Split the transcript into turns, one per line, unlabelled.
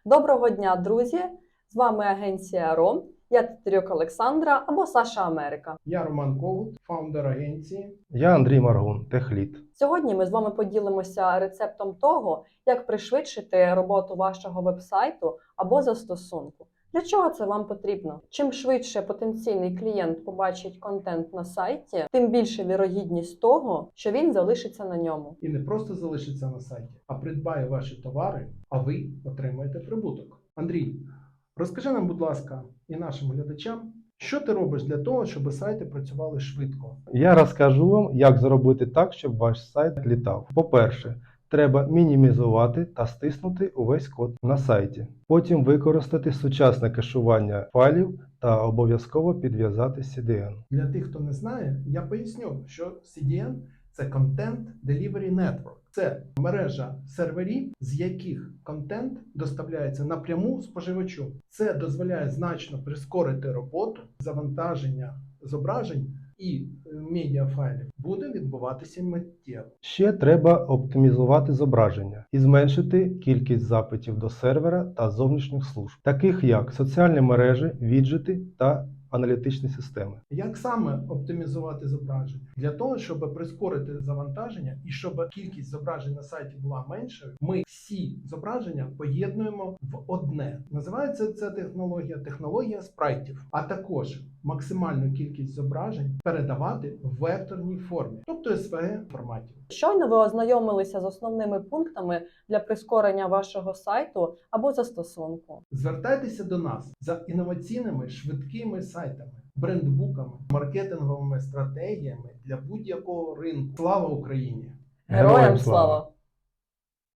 Доброго дня, друзі! З вами агенція РОМ. Я Тетерюк Олександра або Саша Америка.
Я Роман Когут, фаундер агенції.
Я Андрій Маргун, техлід.
Сьогодні ми з вами поділимося рецептом того, як пришвидшити роботу вашого веб-сайту або застосунку. Для чого це вам потрібно? Чим швидше потенційний клієнт побачить контент на сайті, тим більше вірогідність того, що він залишиться на ньому.
І не просто залишиться на сайті, а придбає ваші товари, а ви отримаєте прибуток. Андрій, розкажи нам, будь ласка, і нашим глядачам, що ти робиш для того, щоб сайти працювали швидко?
Я розкажу вам, як зробити так, щоб ваш сайт літав. По-перше, треба мінімізувати та стиснути увесь код на сайті. Потім використати сучасне кешування файлів та обов'язково підв'язати CDN.
Для тих, хто не знає, я поясню, що CDN – це Content Delivery Network. Це мережа серверів, з яких контент доставляється напряму споживачу. Це дозволяє значно прискорити роботу, завантаження зображень і медіафайлів буде відбуватися миттєво.
Ще треба оптимізувати зображення і зменшити кількість запитів до сервера та зовнішніх служб, таких як соціальні мережі, віджити та аналітичні системи.
Як саме оптимізувати зображення? Для того, щоб прискорити завантаження і щоб кількість зображень на сайті була меншою, ми всі зображення поєднуємо в одне. Називається ця технологія спрайтів, а також максимальну кількість зображень передавати в векторній формі, тобто SVG форматі.
Щойно ви ознайомилися з основними пунктами для прискорення вашого сайту або застосунку.
Звертайтеся до нас за інноваційними швидкими сайтами, брендбуками, маркетинговими стратегіями для будь-якого ринку. Слава Україні!
Героям слава!